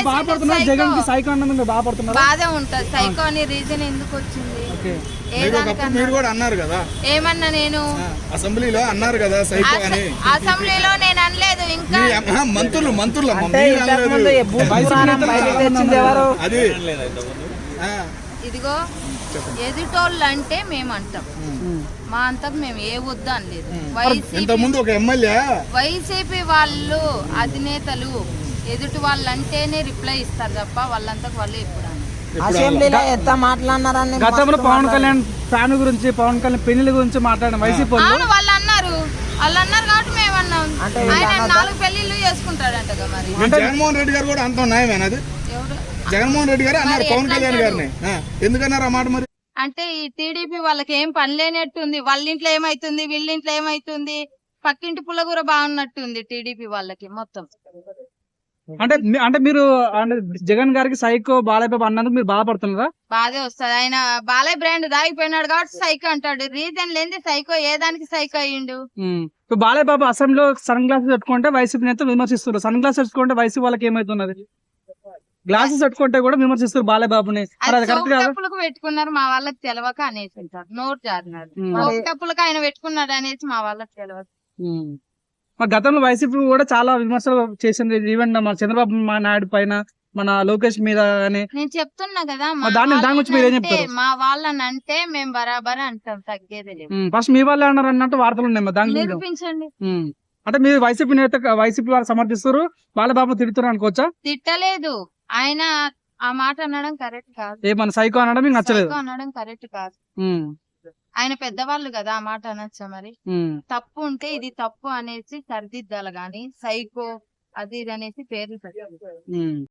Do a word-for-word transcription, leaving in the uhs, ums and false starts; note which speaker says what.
Speaker 1: బాధపడుతున్నారు జగన్ కి సైకో అన్నందుకు బాధపడుతున్నారు.
Speaker 2: బాధే ఉంటది. సైకో అనే రీజన్ ఎందుకు వచ్చింది?
Speaker 3: మీరు కూడా అన్నారు కదా,
Speaker 2: ఏమన్నా నేను
Speaker 3: అసెంబ్లీలో అన్నారు కదా సైకో అని.
Speaker 2: అసెంబ్లీలో నేను అనలేదు. ఇంకా
Speaker 3: మంత్రులు మంత్రులు అది
Speaker 2: ఇదిగో ఎదుటోళ్ళు అంటే మేము అంటాం, మా అంతకు మేము ఏ వద్దు అనలేదు. వైసీపీ వాళ్ళు అధినేతలు ఎదుటి వాళ్ళు అంటేనే రిప్లై ఇస్తారు తప్ప వాళ్ళంతకు వాళ్ళు ఎప్పుడు
Speaker 4: అసెంబ్లీలో ఎంత మాట్లాడినారని.
Speaker 1: గతంలో పవన్ కళ్యాణ్ ఫ్యాన్ గురించి, పవన్ కళ్యాణ్ పెళ్లి గురించి మాట్లాడిన వైసీపీ
Speaker 2: వాళ్ళు వాళ్ళు అన్నారు వాళ్ళు అన్నారు కాబట్టి మేము అన్నాం. ఆయన నాలుగు పెళ్లిళ్ళు చేసుకుంటాడంట మరి.
Speaker 3: జగన్మోహన్ రెడ్డి గారు కూడా అంత న్యాయమేనా? అది జగన్మోహన్ రెడ్డి గారు అన్నారు పవన్ కళ్యాణ్ గారిని, ఎందుకన్నారు ఆ మాట? మరి
Speaker 2: అంటే ఈ టీడీపీ వాళ్ళకి ఏం పని లేనట్టుంది. వాళ్ళ ఇంట్లో ఏమైతుంది, వీళ్ళ ఇంట్లో ఏమైతుంది, పక్కింటి పుల్లగూర బాగున్నట్టుంది టీడీపీ వాళ్ళకి మొత్తం.
Speaker 1: అంటే అంటే మీరు అంటే జగన్ గారికి సైకో బాలయ్య బాబు అన్నందుకు మీరు బాధపడుతున్నారా?
Speaker 2: బాధే వస్తుంది. ఆయన బాలయ్య బ్రాండ్ దాగిపోయినాడు కాబట్టి సైకో అంటాడు. రీజన్ లేని సైకో ఏ దానికి సైకో అయ్యిండు?
Speaker 1: బాలయ్య బాబు అసెంబ్లీలో సన్ గ్లాసెస్ పెట్టుకుంటే వైసీపీ నేత విమర్శిస్తున్నారు. సన్ గ్లాసెస్ పెట్టుకుంటే వైసీపీ వాళ్ళకి ఏమైతున్నది? గ్లాసెస్ పెట్టుకుంటే కూడా విమర్శిస్తారు బాలయ్య బాబుని.
Speaker 2: కప్పులకు పెట్టుకున్నారు మా వాళ్ళకి తెలవక అనేసి ఉంటారు. నోరు జారినాడు కప్పులకు ఆయన పెట్టుకున్నాడు అనేసి మా వాళ్ళకి తెలవక.
Speaker 1: మా గతంలో వైసీపీ కూడా చాలా విమర్శలు చేసింది. ఈవెన్ మన చంద్రబాబు నాయుడు పైన, మన లోకేష్ మీద.
Speaker 2: నేను చెప్తున్నా కదా, మా వాళ్ళని అంటే మేము బరాబర్ అంటాం, తగ్గేది లేదు.
Speaker 1: ఫస్ట్ మీ వాళ్ళు అన్నారు అన్నట్టు వార్తలు ఉన్నాయి. దాని
Speaker 2: నిరూపించండి.
Speaker 1: అంటే మీరు వైసీపీ నేత, వైసీపీ వారు సమర్థిస్తారు, బాలబాబు తిడుతున్నారు అనుకోవచ్చా?
Speaker 2: తిట్టలేదు. ఆయన ఆ మాట అనడం కరెక్ట్ కాదు.
Speaker 1: ఏమన్నా సైకో అనడం మీకు నచ్చలేదు?
Speaker 2: అనడం కరెక్ట్ కాదు. ఆయన పెద్దవాళ్ళు కదా, ఆ మాట అనొచ్చా? మరి తప్పు ఉంటే ఇది తప్పు అనేసి సరిదిద్దాలి గాని సైకో అది ఇది అనేసి పేర్లు పెట్టాలి.